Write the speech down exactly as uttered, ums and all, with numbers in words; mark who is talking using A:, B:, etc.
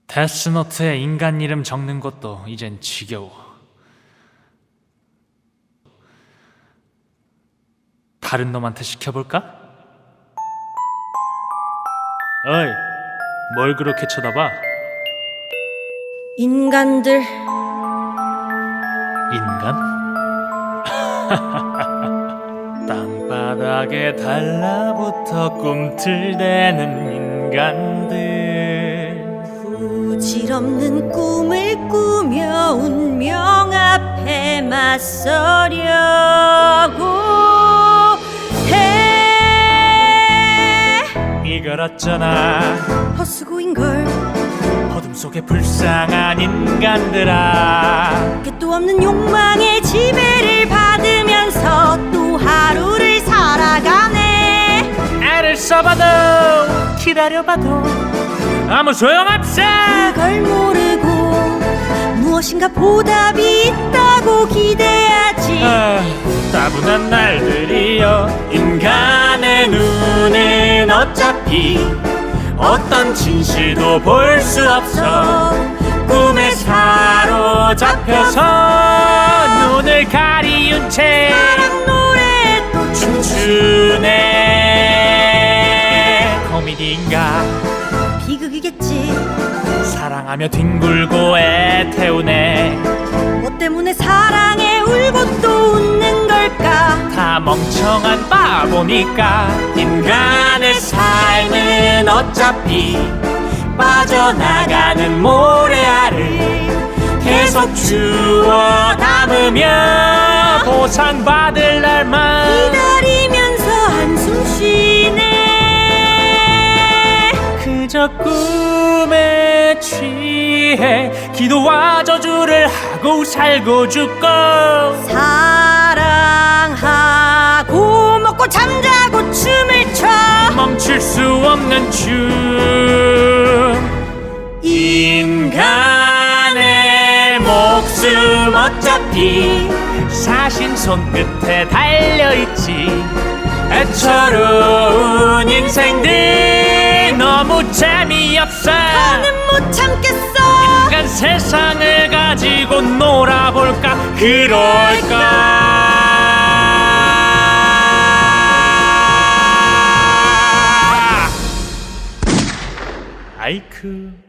A: 데스노트에 인간 이름 적는 것도 이젠 지겨워. 다른 놈한테 시켜볼까? 어이, 뭘 그렇게 쳐다봐?
B: 인간들
A: 인간? 땅바닥에 달라붙어 꿈틀대는 인간들,
B: 부질없는 꿈을 꾸며 운명 앞에 맞서려고 해.
A: 이걸 어쩌나
B: 헛수고인걸.
A: 어둠 속에 불쌍한 인간들아,
B: 끝도 없는 욕망의 지배를 받으면서 또 하루를 살아가네.
A: 애를 써봐도 기다려봐도 아무 소용없어.
B: 그걸 모르고 무엇인가 보답이 있다고 기대하지.
A: 아, 따분한 날들이여. 인간의 눈은 어차피 어떤 진실도 볼 수 없어. 꿈에 사로잡혀서 눈을 가리운 채
B: 사랑 노래 또
A: 춤추네. 코미디인가
B: 비극이겠지.
A: 사랑하며 뒹굴고 애태우네.
B: 뭐 때문에 사랑에 울고 또 웃는 걸까?
A: 다 멍청한 바보니까. 인간의 삶은 어차피 빠져나가는 모래알을 계속 주워 담으며 보상받을 날만
B: 기다리면서 한숨 쉬네.
A: 그저 꿈에 취해 기도와 저주를 하고 살고 죽고
B: 사랑하고 먹고 잠자고 춤을 춰.
A: 멈출 수 없는 춤. 인간의 목숨 어차피 사신 손끝에 달려있지. 애처로운 인생들 너무 재미없어.
B: 나는 못 참겠어.
A: 인간 세상을 가지고 놀아볼까. 그럴까. 아이쿠.